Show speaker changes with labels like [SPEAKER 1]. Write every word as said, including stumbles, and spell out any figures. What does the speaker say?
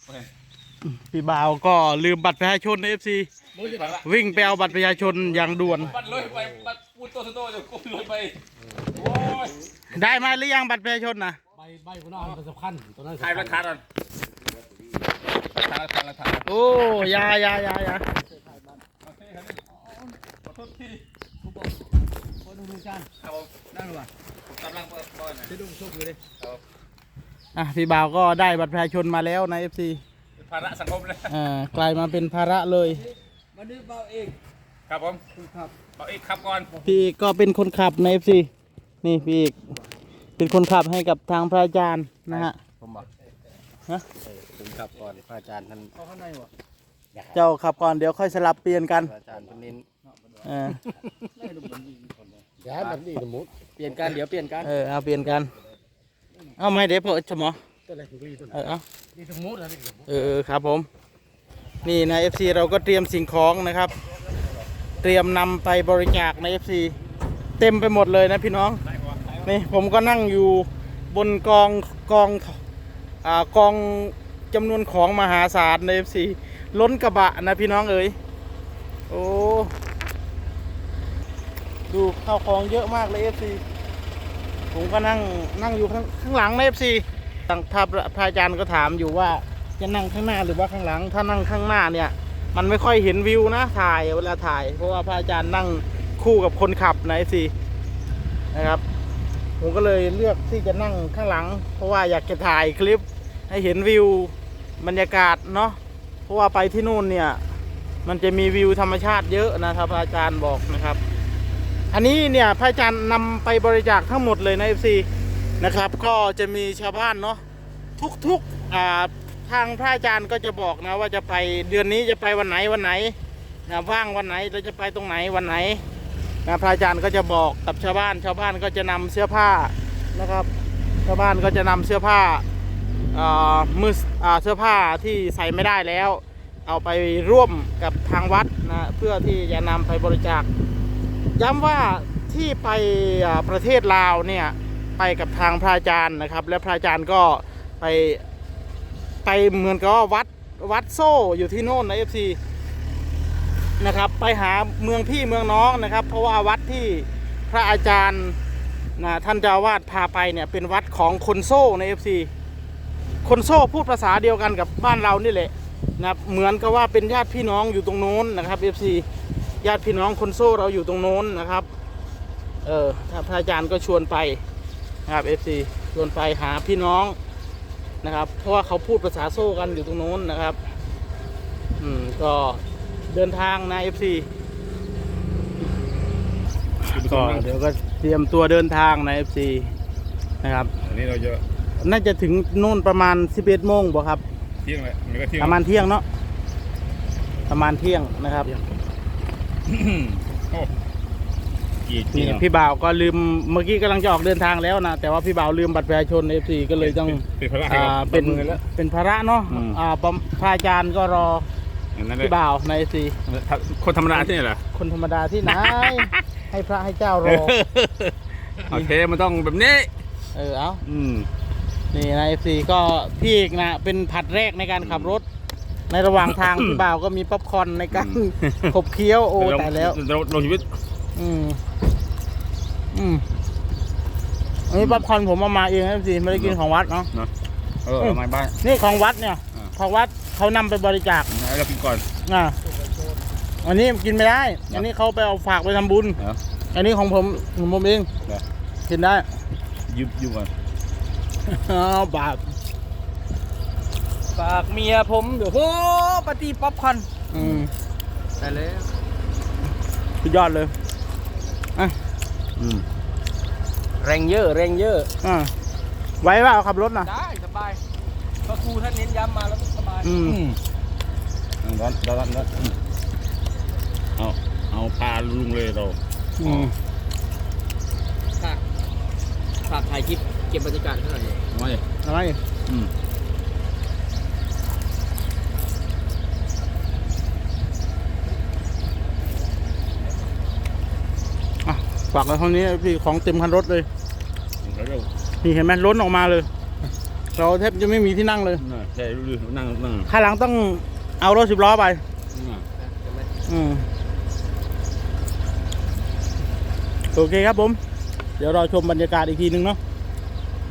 [SPEAKER 1] พี่บ่าวก็ลืมบัตรประชาชนในเอฟซีวิ่งไปเอาบัตรประชาชนอย่างด่วน
[SPEAKER 2] บัตรเลยไปบัตรปูโตโตจะกุ้มเลยไปโอ้ย
[SPEAKER 1] ได้มาหรือยังบัตรประชาชนนะ
[SPEAKER 3] ใบใบคนนั้นมันสำคัญตัวนั้น
[SPEAKER 2] ถ่ายราคาก่อนราคาราคาราคา
[SPEAKER 1] โอ้ยายายายา
[SPEAKER 2] ขอโทษที
[SPEAKER 3] คนดูดูจาน
[SPEAKER 2] ครับผมนั่งหรือเปล่าผมกำลังเปิดบอลนะ
[SPEAKER 3] จะดูชกอยู่เลย
[SPEAKER 1] อ่ะพี่บ่าวก็ได้บัตรประชาชนมาแล้วในเอฟซี
[SPEAKER 2] ภาระสังคมเลย
[SPEAKER 1] อ่ากลายมาเป็นภาระเลย
[SPEAKER 3] วันนี้เบาเอง
[SPEAKER 2] ครับผม
[SPEAKER 3] ครับ
[SPEAKER 2] เอาอีกครับก่อน
[SPEAKER 1] พี่ก็เป็นคนขับในเอฟซีนี่พี่อีกเป็นคนขับให้กับทางพระอาจารย์นะฮะ
[SPEAKER 3] ผมบอก
[SPEAKER 1] ฮะ
[SPEAKER 3] ผมขับก่อนพระอาจารย์ท่านเข้าข้างในวะ
[SPEAKER 1] เจ้าขับก่อนเดี๋ยวค่อยสลับเปลี่ยนกัน
[SPEAKER 3] พระอาจารย์ท่านนิน
[SPEAKER 1] เออ
[SPEAKER 3] เดี๋ยวแบบนี้สมมติเปลี่ยนกันเดี๋ยวเปลี่ยนกัน
[SPEAKER 1] เออเอาเปลี่ยนกันเอาไม่เดี๋ยวพอชมอ
[SPEAKER 3] ตัวอะไรถึงรีตัว
[SPEAKER 1] เออเอา
[SPEAKER 3] นี่สมมติอะไร
[SPEAKER 1] เออเออครับผมนี่นะ เอฟ ซี เราก็เตรียมสิ่งของนะครับ เตรียมนำไปบริจาคใน เอฟ ซี เต็มไปหมดเลยนะพี่น้องนี่ผมก็นั่งอยู่บนกองกองอ่ากองจำนวนของมหาศาลใน เอฟ ซี ล้นกระบะนะพี่น้องเอ๋ยโอ้ดูข้าวของเยอะมากเลย เอฟ ซี ผมก็นั่งนั่งอยู่ข้างข้างหลังใน เอฟ ซี ทางพระอาจารย์ก็ถามอยู่ว่าจะนั่งข้างหน้าหรือว่าข้างหลังถ้านั่งข้างหน้าเนี่ยมันไม่ค่อยเห็นวิวนะถ่ายเวลาถ่ายเพราะว่าพระอาจารย์นั่งคู่กับคนขับนะ เอฟ ซี นะครับผมก็เลยเลือกที่จะนั่งข้างหลังเพราะว่าอยากจะถ่ายคลิปให้เห็นวิวบรรยากาศเนาะเพราะว่าไปที่นู่นเนี่ยมันจะมีวิวธรรมชาติเยอะนะครับพระอาจารย์บอกนะครับอันนี้เนี่ยพระอาจารย์นำไปบริจาคทั้งหมดเลยนะ เอฟ ซี นะครับก็จะมีชาวบ้านเนาะทุกๆอ่าทางพระอาจารย์ก็จะบอกนะว่าจะไปเดือนนี้จะไปวันไหนวันไหนนะว่างวันไหนเราจะไปตรงไหนวันไหนนะพระอาจารย์ก็จะบอกกับชาวบ้านชาวบ้านก็จะนำเสื้อผ้านะครับชาวบ้านก็จะนำเสื้อผ้าอ่ามืออ่าเสื้อผ้าที่ใส่ไม่ได้แล้วเอาไปร่วมกับทางวัดนะเพื่อที่จะนำไปบริจาคย้ำว่าที่ไปประเทศลาวเนี่ยไปกับทางพระอาจารย์นะครับและพระอาจารย์ก็ไปไปเหมือนกับว่าวัดวัดโซ่อยู่ที่โน่นนะ เอฟ ซี นะครับไปหาเมืองพี่เมืองน้องนะครับเพราะว่าวัดที่พระอาจารย์นะท่านเจ้าอาวาสพาไปเนี่ยเป็นวัดของคนโซ่ใน เอฟ ซี คนโซ่พูดภาษาเดียวกันกับบ้านเรานี่แหละนะครับเหมือนกับว่าเป็นญาติพี่น้องอยู่ตรงโน้นนะครับ เอฟ ซี ญาติพี่น้องคนโซ่เราอยู่ตรงโน้นนะครับเออถ้าพระอาจารย์ก็ชวนไปนะครับ เอฟ ซี ชวนไปหาพี่น้องนะครับเพราะว่าเขาพูดภาษาโซ่กันอยู่ตรงโน้นนะครับอืมก็เดินทางนะ เอฟ ซี ก็เดี๋ยวก็เตรียมตัวเดินทางนะ เอฟ ซี นะครับ
[SPEAKER 2] อันนี้เราจะ
[SPEAKER 1] น่าจะถึงโน่นประมาณสิบเอ็ดโมงบ่ครับ
[SPEAKER 2] เที่ยงเลยมันก็เที่ยง
[SPEAKER 1] ประมาณเที่ยงเนาะประมาณเที่ยงนะครับ
[SPEAKER 2] โอ้กี่
[SPEAKER 1] นี่
[SPEAKER 2] เที่ยง
[SPEAKER 1] พี่บ่าวก็ลืมเมื่อกี้กำลังจะออกเดินทางแล้วนะแต่ว่าพี่บ่าวลืมบัตรประชาชน เอฟ ซี ก็เลยต้อง
[SPEAKER 2] เป็นภาระ
[SPEAKER 1] อ่าเป็น
[SPEAKER 2] มือแล้ว
[SPEAKER 1] เป็นภาระเนาะ
[SPEAKER 2] อืม
[SPEAKER 1] อ่าปมพระอาจารย์ก็รอ
[SPEAKER 2] อย่างนั้นเลย
[SPEAKER 1] พี่บ่าวใน เอฟ ซี
[SPEAKER 2] คนธรรมดาที่ไหนเหรอ
[SPEAKER 1] คนธรรมดาที่ไหน ให้พระให้เจ้ารอ
[SPEAKER 2] โอเคมันต้องแบบนี้
[SPEAKER 1] เออเอา
[SPEAKER 2] อืม
[SPEAKER 1] นี่นะ เอฟ ซี ก็พี่เอกนะเป็นผัดแรกในการขับรถ ในระหว่างทาง พี่บ่าวก็มีป๊อปคอร์นในการขบเคี้ยวโอ้ตายแล้ว
[SPEAKER 2] เราลงชีวิต
[SPEAKER 1] อืมอืมอันนี้ป๊อปคอร์นผมเอามาเองนะ เอฟ ซี ไม่ได้กินของวัดเนาะ
[SPEAKER 2] เนาะเออมาบ้าน
[SPEAKER 1] นี่ของวัดเนี่ย
[SPEAKER 2] อ่า
[SPEAKER 1] ของวัดเขานำไปบริจาค
[SPEAKER 2] ให้เรากินก่อน
[SPEAKER 1] อ่าอันนี้กินไม่ได้ อันนี้เขาไปเอาฝากไปทำบุญ
[SPEAKER 2] เหรอ
[SPEAKER 1] อันนี้ของผมของผมเอง
[SPEAKER 2] เหรอ
[SPEAKER 1] กินได้
[SPEAKER 2] ยุบยุบก่อน
[SPEAKER 1] อ้าวบาป
[SPEAKER 3] ฝากเมียผมเดี๋ยวโอ้ปฏิป๊อปคอน
[SPEAKER 1] อืม
[SPEAKER 3] แต่แล้ว
[SPEAKER 1] สุดยอดเลยอ่ะ
[SPEAKER 2] อืม
[SPEAKER 3] แรงเยอะแรงเยอะ
[SPEAKER 1] อ่าไว้ว่าขับรถนะ
[SPEAKER 3] ได้สบายพระครูท่านเน้นย้ำมาแล้วสบาย
[SPEAKER 1] อืม
[SPEAKER 2] ร้อนร้อนร้อนเอาเอาปลาลุงเลยเรา
[SPEAKER 1] อืม
[SPEAKER 3] ฝากฝากถ่ายคลิปเก็บบรรยากาศเท่าไหร่
[SPEAKER 2] ไม่
[SPEAKER 1] อะไร
[SPEAKER 2] อืม
[SPEAKER 1] อ่ะฝากไว้เท่านี้พี่ของเต็มคันรถเลย
[SPEAKER 2] แล้วเร็ว
[SPEAKER 1] นี่เห็นไหมล้นออกมาเลยเราแทบจะไม่มีที่นั่งเลย
[SPEAKER 2] น่ะใช่ดูดินั่งนั่ง
[SPEAKER 1] ข้างหลังต้องเอารถสิบล้อไป
[SPEAKER 2] น่ะ
[SPEAKER 1] อืมโอเคครับผม เดี๋ยวเราชมบรรยากาศอีกทีนึงเนาะ